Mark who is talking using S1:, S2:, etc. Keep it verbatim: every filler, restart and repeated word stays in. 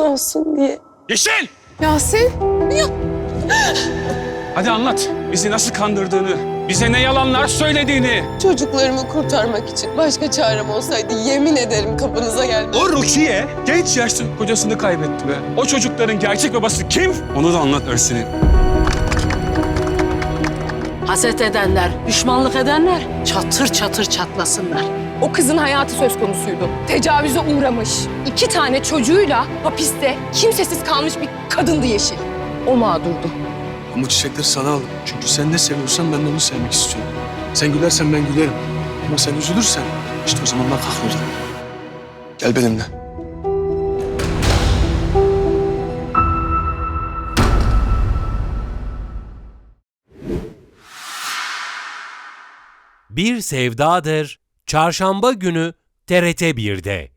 S1: olsun diye.
S2: Yeşil!
S1: Yasin, ya
S2: Hadi anlat. Bizi nasıl kandırdığını, bize ne yalanlar söylediğini.
S1: çocuklarımı kurtarmak için başka çarem olsaydı yemin ederim kapınıza gelmem.
S2: O Rukiye genç yaşta kocasını kaybetti be. O çocukların gerçek babası kim? Onu da anlat Ersin'in.
S3: Haset edenler, düşmanlık edenler çatır çatır çatlasınlar.
S4: O kızın hayatı söz konusuydu. Tecavüze uğramış. İki tane çocuğuyla hapiste kimsesiz kalmış bir kadındı Yeşil. O mağdurdu.
S5: Ama çiçekleri sana aldım. Çünkü sen ne seviyorsan ben de onu sevmek istiyorum. Sen gülersen ben gülerim. Ama sen üzülürsen işte o zaman ben kalkıyorum. Gel benimle.
S6: Bir Sevdadır Çarşamba günü T R T bir'de.